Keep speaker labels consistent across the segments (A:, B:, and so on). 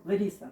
A: Лариса,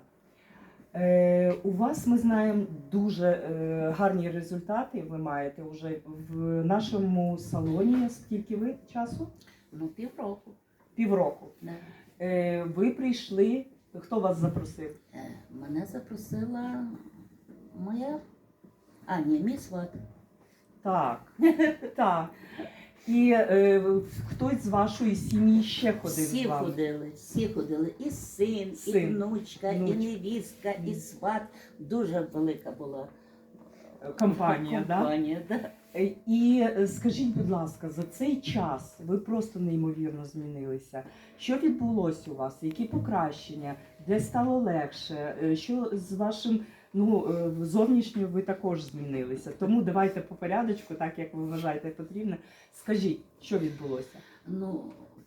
A: у вас, ми знаємо, дуже гарні результати ви маєте вже в нашому салоні. Скільки ви часу?
B: Ну, півроку.
A: Півроку.
B: Да.
A: Ви прийшли, хто вас запросив?
B: Мене запросила моя мій сват.
A: Так, так. І хтось з вашої сім'ї ще ходив з вами?
B: Всі ходили. І син, і внучка, і невістка, і сват. Дуже велика була
A: Компанія,
B: да?
A: І скажіть, будь ласка, за цей час ви просто неймовірно змінилися. Що відбулося у вас? Які покращення? Де стало легше? Що з вашим зовнішньо ви також змінилися? Тому давайте по порядочку, так як ви вважаєте потрібно. Скажіть, що відбулося?
B: Ну,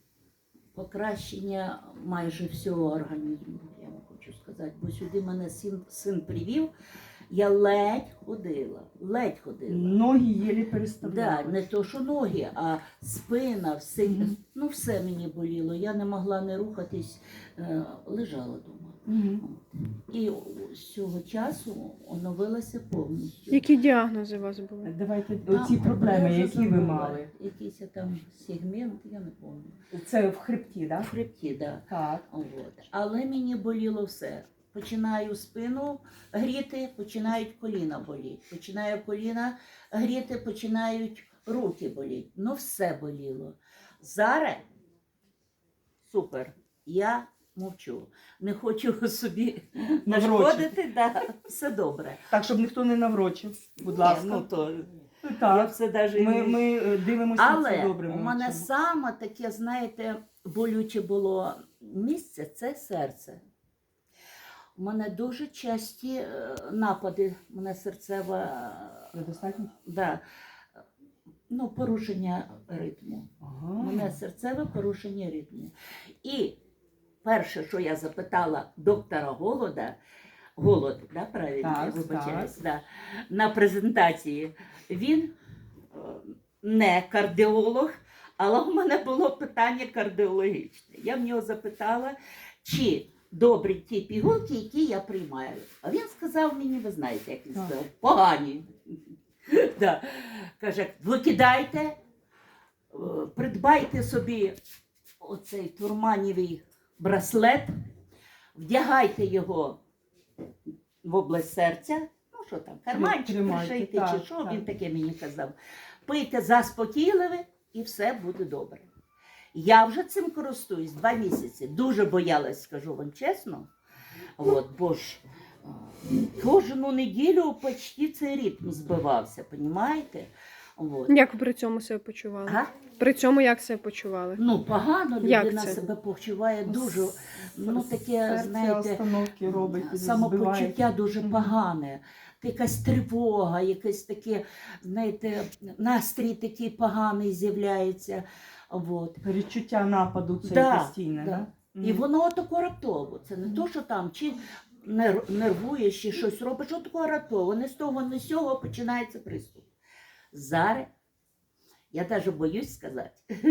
B: покращення майже всього організму, я вам хочу сказати. Бо сюди мене син привів. Я ледь ходила.
A: Ноги єлі переставляли.
B: Да, не то, що ноги, а спина, все, все мені боліло. Я не могла не рухатись, лежала вдома. І з цього часу оновилася повністю.
C: Які діагнози у вас були?
A: Давайте оці проблеми, які ви мали.
B: Якийсь там сегмент, я не пам'ятаю.
A: Це в хребті, так?
B: В хребті, так.
A: Так.
B: Але мені боліло все. Починаю спину гріти, починають коліна боліти. Починаю коліна гріти, починають руки боліти. Ну все боліло. Зараз супер. Я мовчу. Не хочу собі нашкодити, все добре.
A: Так, щоб ніхто не наврочив, будь ласка.
B: Я все даже
A: ми дивимося,
B: але
A: це добре.
B: у мене саме таке, знаєте, болюче було місце – це серце. У мене дуже часті напади, у мене серцева,
A: недостатньо?
B: Порушення ритму. У мене серцеве порушення ритму. І перше, що я запитала доктора Голод, правильно, я вибачаюсь, на презентації, він не кардіолог, але у мене було питання кардіологічне. Я в нього запитала, чи добрі ті пігулки, які я приймаю. А він сказав мені, ви знаєте, як він сказав, погані. Каже, викидайте, придбайте собі оцей турманівий браслет, вдягайте його в область серця, що там, карманчик пришийте, чи що, він таке мені казав. Пийте заспокійливе і все буде добре. Я вже цим користуюсь 2 місяці. Дуже боялась, скажу вам чесно. Бо ж кожну неділю почти цей ритм збивався, розумієте?
C: Як ви при цьому себе почували? При цьому як себе почували?
B: Погано людина себе почуває дуже, таке, знаєте, самопочуття дуже погане. Якась тривога, якесь таке, знаєте, настрій такий поганий з'являється.
A: Перечуття нападу це постійне,
B: І воно тако раптово. Це не то, що там чи нервуєш, чи щось робиш, що тако раптово. Не з того, не з цього починається приступ. Зараз, я навіть боюсь сказати,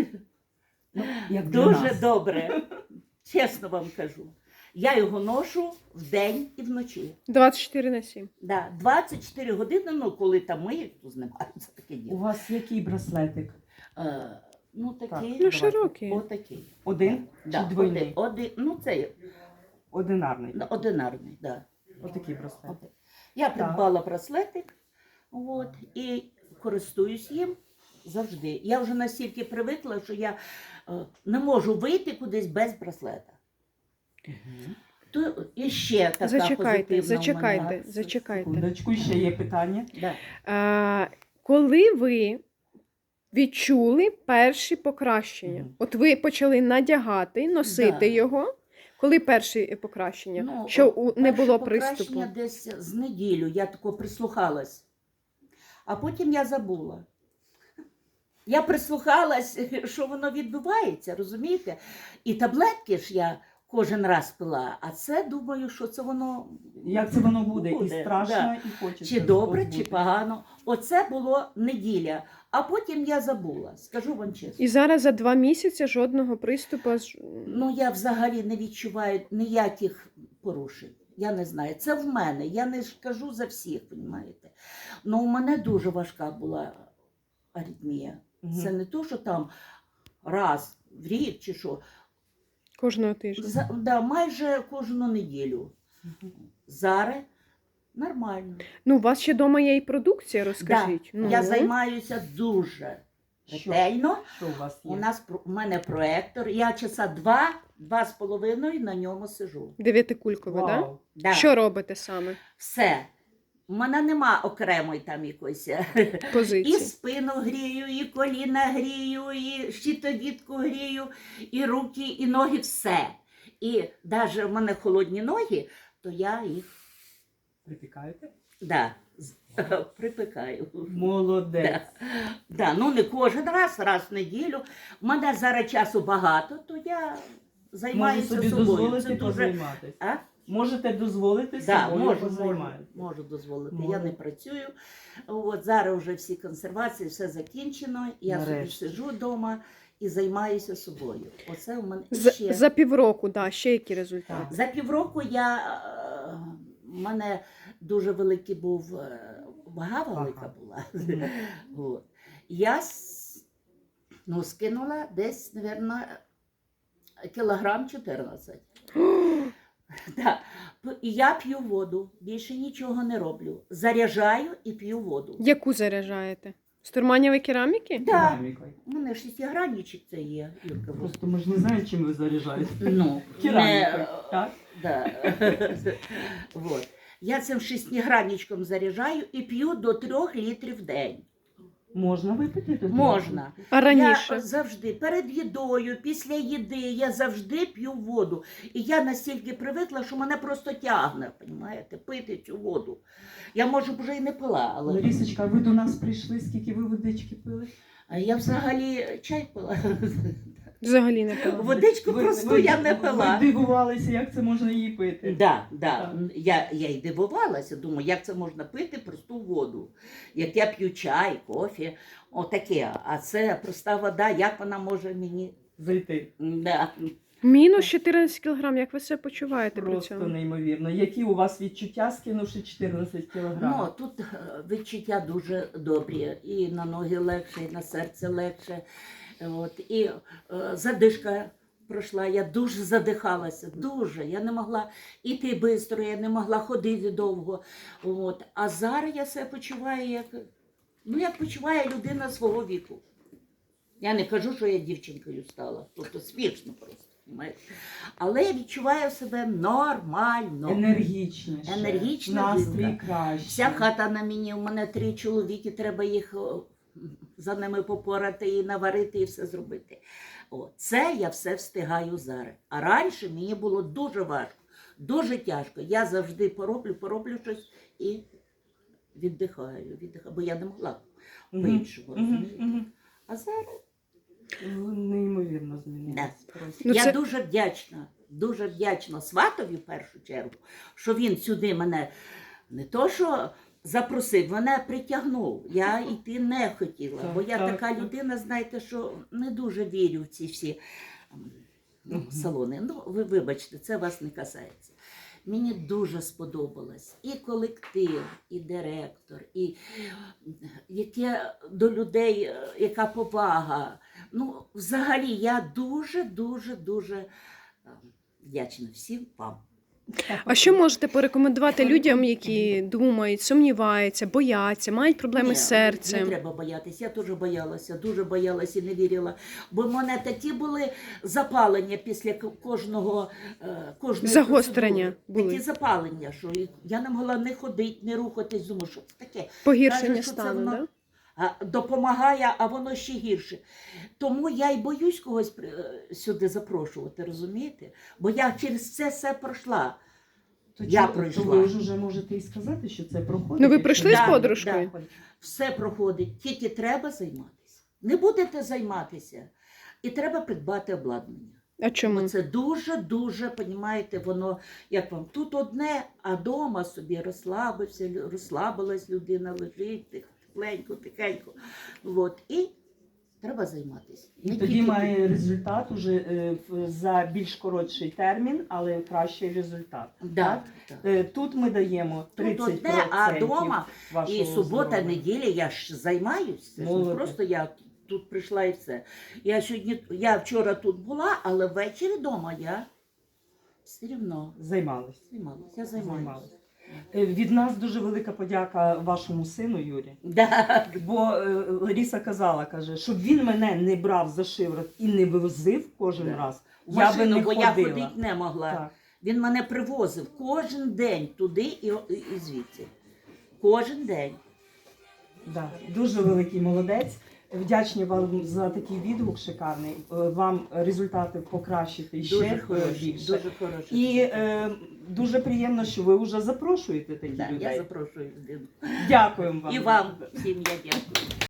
B: дуже добре, чесно вам кажу. Я його ношу вдень і вночі.
C: 24/7?
B: Так, 24 години, коли там ми, то знімаються таке діло.
A: У вас який браслетик?
B: Такий.
C: Широкий.
B: Отакий.
A: Один чи двойний?
B: Це
A: одинарний.
B: Одинарний, так.
A: Отакий браслет.
B: Я придбала браслетик, і користуюсь їм завжди. Я вже настільки привикла, що я не можу вийти кудись без браслета. То і ще така позитивна
C: Зачекайте.
A: Секундочку, ще є питання.
C: Коли ви відчули перші покращення? От ви почали надягати, носити його. Коли перші покращення? Що не було приступу?
B: Покращення десь з неділю, я тако прислухалась. А потім я забула. Я прислухалась, що воно відбувається, розумієте? І таблетки ж я кожен раз пила, а це, думаю, що це воно...
A: Як це воно буде? І страшно, і хочеться.
B: Чи добре, чи погано. Оце було неділя, а потім я забула, скажу вам чесно.
C: І зараз за 2 місяці жодного приступу?
B: Я взагалі не відчуваю ніяких порушень. Я не знаю. Це в мене. Я не ж кажу за всіх, розумієте. Ну, у мене дуже важка була аритмія. Це не то, що там раз в рік чи що.
C: Кожного тижня.
B: Да, майже кожну неділю. Зараз нормально.
C: Ну, у вас ще вдома є і продукція, розкажіть.
B: Да,
C: Ну,
B: я займаюся дуже ретельно.
A: Що у вас є?
B: У мене проектор. Я часа 2-2,5 на ньому сижу.
C: 9-кулькове, так?
A: Вау.
B: Да.
C: Що робите саме?
B: Все. У мене нема окремої там якоїсь. І
C: Позиції.
B: спину грію, і коліна грію, і щитовідку грію, і руки, і ноги, все. І навіть в мене холодні ноги, то я їх
A: Припікаєте?
B: припекаю.
A: Молодець.
B: Да, ну не кожен раз в неділю. У мене зараз часу багато, то я
A: Можу
B: займаюся
A: собі
B: собою.
A: дозволити
B: Це дуже...
A: позайматися.
B: А?
A: Можете дозволити
B: Да,
A: собою
B: можу
A: позайматися.
B: дозволити.
A: Можу.
B: Я не працюю. От зараз вже всі консервації, все закінчено. Я
A: Нарешті.
B: собі сиджу вдома і займаюся собою. Оце у мене ще.
C: За півроку, да, ще які результати?
B: За півроку у мене дуже великий був, вага велика
A: Ага.
B: була.
A: Мгм.
B: От. Я скинула десь, мабуть, кілограм 14. Да. І я п'ю воду, більше нічого не роблю. Заряджаю і п'ю воду.
C: Яку заряджаєте? З турманєвої кераміки?
B: Да.
A: Керамікою.
B: У мене шестигранничок це є, Юрка.
A: Просто ми ж не знаємо, чим ви заряджаєте.
B: Ну,
A: Керамікою, так?
B: Да. Вот. Я цим шестигранничком заряджаю і п'ю до 3 літрів в день.
A: Можна випити? тут?
B: Можна.
C: А раніше?
B: Я завжди перед їдою, після їди, я завжди п'ю воду. І я настільки привикла, що мене просто тягне, розумієте, пити цю воду. Я, може, б вже і не пила, але
A: Ларісочка, ви до нас прийшли, скільки ви водички пили?
B: а я взагалі чай пила.
C: Взагалі не пила.
B: Водичку просто я не пила.
A: Ви дивувалися, як це можна її пити.
B: Да.
A: Так.
B: Я й дивувалася, думаю, як це можна пити просту воду. Як я п'ю чай, кофе, отаке. А це проста вода, як вона може мені.
A: Зайти.
B: Да.
C: Мінус 14 кілограм, як ви себе почуваєте при
A: Просто
C: цьому?
A: неймовірно. Які у вас відчуття, скинувши 14 кілограмів?
B: Ну, тут відчуття дуже добрі. І на ноги легше, і на серце легше. От. І задишка пройшла, я дуже задихалася, дуже. Я не могла йти швидко, я не могла ходити довго. От. А зараз я себе почуваю, як почуває людина свого віку. Я не кажу, що я дівчинкою стала, тобто смішно просто. Понимаєте? Але я відчуваю себе нормально.
A: Енергічніше.
B: Енергічна
A: Настрій
B: жінка.
A: краще.
B: Вся хата на мені, у мене 3 чоловіки, треба їх за ними попорати і наварити, і все зробити. О, це я все встигаю зараз. А раніше мені було дуже важко, дуже тяжко. Я завжди пороблю щось і віддихаю, бо я не могла по-іншому. розумієте? А зараз
A: Неймовірно змінилось.
B: Да.
A: Просто.
C: Ну,
B: я
C: це-
B: дуже вдячна сватові в першу чергу, що він сюди мене не то, що запросив, мене притягнув. Я йти не хотіла,
A: Так,
B: бо я
A: так,
B: така
A: так.
B: людина, знаєте, що не дуже вірю в ці всі салони. Ну, ви вибачте, це вас не касається. Мені дуже сподобалось і колектив, і директор, і яке до людей, яка повага. Ну, взагалі, я дуже вдячна всім вам.
C: А що можете порекомендувати людям, які думають, сумніваються, бояться, мають проблеми
B: Ні,
C: з серцем?
B: Не треба боятися. Я теж боялася, дуже боялася і не вірила. Бо в мене такі були запалення після кожної
C: Загострення
B: процедури.
C: були.
B: Такі запалення, що я не могла не ходити, не рухатись. Думаю, що це таке?
C: Погіршення
B: Каже, що це
C: стану,
B: воно
C: да?
B: допомагає, а воно ще гірше. Тому я й боюсь когось сюди запрошувати, розумієте? Бо я через це все пройшла.
A: То
B: Я
A: чи-
B: пройшла.
A: То ви ж вже можете і сказати, що це проходить.
C: Ну, ви
A: якщо
C: пройшли
A: не
C: з
B: Да,
C: подружкою?
B: Все проходить, тільки треба займатися. Не будете займатися, і треба придбати обладнання.
C: А чому?
B: Бо це дуже, понімаєте, воно, як вам, тут одне, а дома собі розслабилась людина, лежить тихенько. От, і Треба займатися.
A: І
B: Не
A: тоді
B: тільки
A: має результат уже за більш коротший термін, але кращий результат.
B: Да, так.
A: Тут ми даємо 30%
B: Тут одне, а вдома
A: вашого
B: і субота,
A: здоров'я.
B: неділя я ж займаюся. Це ж не
A: Молодець.
B: просто я тут прийшла і все. Я вчора тут була, але ввечері вдома я все одно
A: Займалися.
B: займалася. Я займаюся.
A: Від нас дуже велика подяка вашому сину Юрі.
B: Да.
A: Бо Лариса казала, каже, щоб він мене не брав за шиворот і не возив кожен
B: Да.
A: раз,
B: В
A: я би
B: машину,
A: не
B: бо я
A: ходила.
B: ходити не могла.
A: Так.
B: Він мене привозив кожен день туди і звідси. Кожен день.
A: Да, дуже великий молодець. Вдячні вам за такий відгук шикарний. Вам результати покращити ще
B: Дуже хороший,
A: більше.
B: дуже хороший.
A: І дуже приємно, що ви вже запрошуєте таких
B: Да, я
A: людей.
B: запрошую людину.
A: Дякуємо вам.
B: І вам всім я дякую.